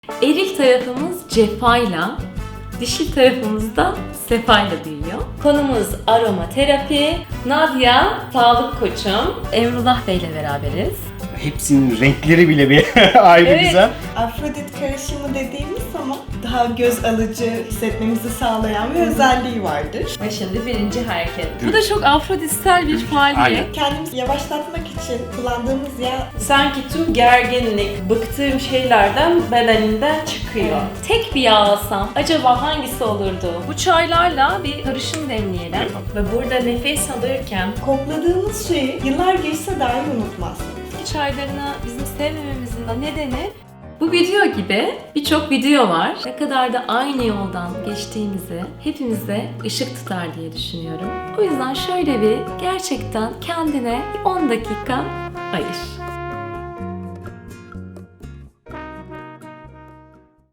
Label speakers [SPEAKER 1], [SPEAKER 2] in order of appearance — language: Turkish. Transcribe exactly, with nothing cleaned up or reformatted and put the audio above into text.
[SPEAKER 1] Eril tarafımız cefayla, dişil tarafımız da sefayla büyüyor. Konumuz aromaterapi. Nadia, sağlık koçum. Emrullah Bey ile beraberiz.
[SPEAKER 2] Hepsinin renkleri bile bir ayrı
[SPEAKER 1] Evet.
[SPEAKER 2] güzel.
[SPEAKER 3] Afrodit karışımı dediğimiz ama daha göz alıcı hissetmemizi sağlayan bir özelliği vardır.
[SPEAKER 1] Ve şimdi birinci hareket. Bu da çok afrodisel bir faaliyet.
[SPEAKER 2] Aynen.
[SPEAKER 3] Kendimizi yavaşlatmak için kullandığımız yağ
[SPEAKER 4] Sanki tüm gerginlik, bıktığım şeylerden bedeninden çıkıyor.
[SPEAKER 1] Tek bir yağ alsam acaba hangisi olurdu? Bu çaylarla bir karışım demleyelim.
[SPEAKER 2] Yapalım.
[SPEAKER 4] Ve burada nefes alırken
[SPEAKER 3] kokladığımız şeyi yıllar geçse dahi unutmazsınız.
[SPEAKER 1] Bitki çaylarını bizim sevmememizin de nedeni bu video gibi birçok video var. Ne kadar da aynı yoldan geçtiğimizi hepimize ışık tutar diye düşünüyorum. O yüzden şöyle bir gerçekten kendine on dakika ayır.